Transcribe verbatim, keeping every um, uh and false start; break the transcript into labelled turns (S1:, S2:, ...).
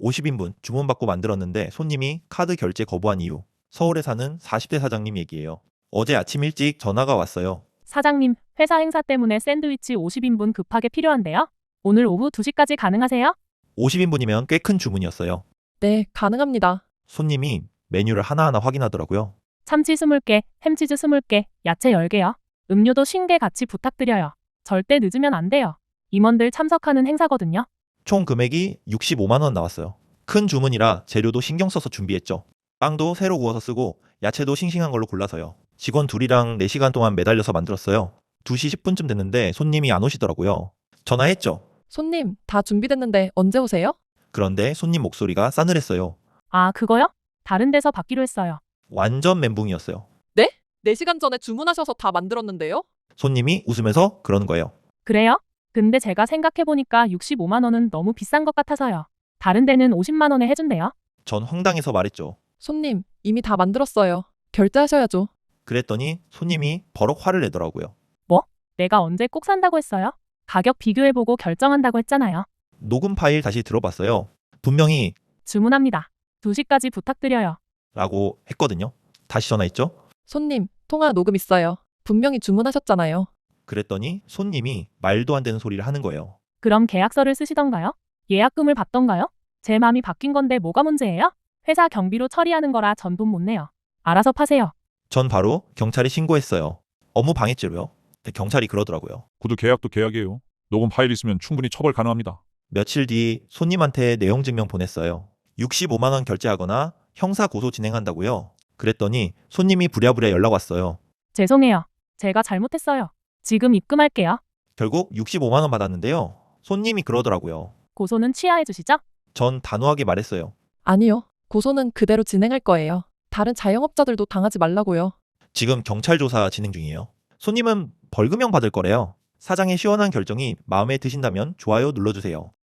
S1: 오십 인분 주문받고 만들었는데 손님이 카드 결제 거부한 이유. 서울에 사는 사십 대 사장님 얘기예요. 어제 아침 일찍 전화가 왔어요.
S2: 사장님, 회사 행사 때문에 샌드위치 오십 인분 급하게 필요한데요. 오늘 오후 두 시까지 가능하세요?
S1: 오십 인분이면 꽤 큰 주문이었어요.
S3: 네, 가능합니다.
S1: 손님이 메뉴를 하나하나 확인하더라고요.
S2: 참치 이십 개, 햄치즈 이십 개, 야채 열 개요. 음료도 쉰 개 같이 부탁드려요. 절대 늦으면 안 돼요. 임원들 참석하는 행사거든요.
S1: 총 금액이 육십오만 원 나왔어요. 큰 주문이라 재료도 신경 써서 준비했죠. 빵도 새로 구워서 쓰고 야채도 싱싱한 걸로 골라서요. 직원 둘이랑 네 시간 동안 매달려서 만들었어요. 두 시 십 분쯤 됐는데 손님이 안 오시더라고요. 전화했죠.
S3: 손님, 다 준비됐는데 언제 오세요?
S1: 그런데 손님 목소리가 싸늘했어요.
S2: 아, 그거요? 다른 데서 받기로 했어요.
S1: 완전 멘붕이었어요.
S3: 네 시간 전에 주문하셔서 다 만들었는데요?
S1: 손님이 웃으면서 그러는 거예요.
S2: 그래요? 근데 제가 생각해보니까 육십오만 원은 너무 비싼 것 같아서요. 다른 데는 오십만 원에 해준대요.
S1: 전 황당해서 말했죠.
S3: 손님, 이미 다 만들었어요. 결제하셔야죠.
S1: 그랬더니 손님이 버럭 화를 내더라고요.
S2: 내가 언제 꼭 산다고 했어요? 가격 비교해보고 결정한다고 했잖아요.
S1: 녹음 파일 다시 들어봤어요. 분명히
S2: 주문합니다. 두 시까지 부탁드려요.
S1: 라고 했거든요. 다시 전화했죠.
S3: 손님, 통화 녹음 있어요. 분명히 주문하셨잖아요.
S1: 그랬더니 손님이 말도 안 되는 소리를 하는 거예요.
S2: 그럼 계약서를 쓰시던가요? 예약금을 받던가요? 제 마음이 바뀐 건데 뭐가 문제예요? 회사 경비로 처리하는 거라 전 돈 못 내요. 알아서 파세요.
S1: 전 바로 경찰에 신고했어요. 업무 방해죄로요. 근데 경찰이 그러더라고요.
S4: 구두 계약도 계약이에요. 녹음 파일 있으면 충분히 처벌 가능합니다.
S1: 며칠 뒤 손님한테 내용 증명 보냈어요. 육십오만 원 결제하거나 형사 고소 진행한다고요. 그랬더니 손님이 부랴부랴 연락 왔어요.
S2: 죄송해요. 제가 잘못했어요. 지금 입금할게요.
S1: 결국 육십오만 원 받았는데요. 손님이 그러더라고요.
S2: 고소는 취하해 주시죠?
S1: 전 단호하게 말했어요.
S3: 아니요. 고소는 그대로 진행할 거예요. 다른 자영업자들도 당하지 말라고요.
S1: 지금 경찰 조사 진행 중이에요. 손님은 벌금형 받을 거래요. 사장의 시원한 결정이 마음에 드신다면 좋아요 눌러주세요.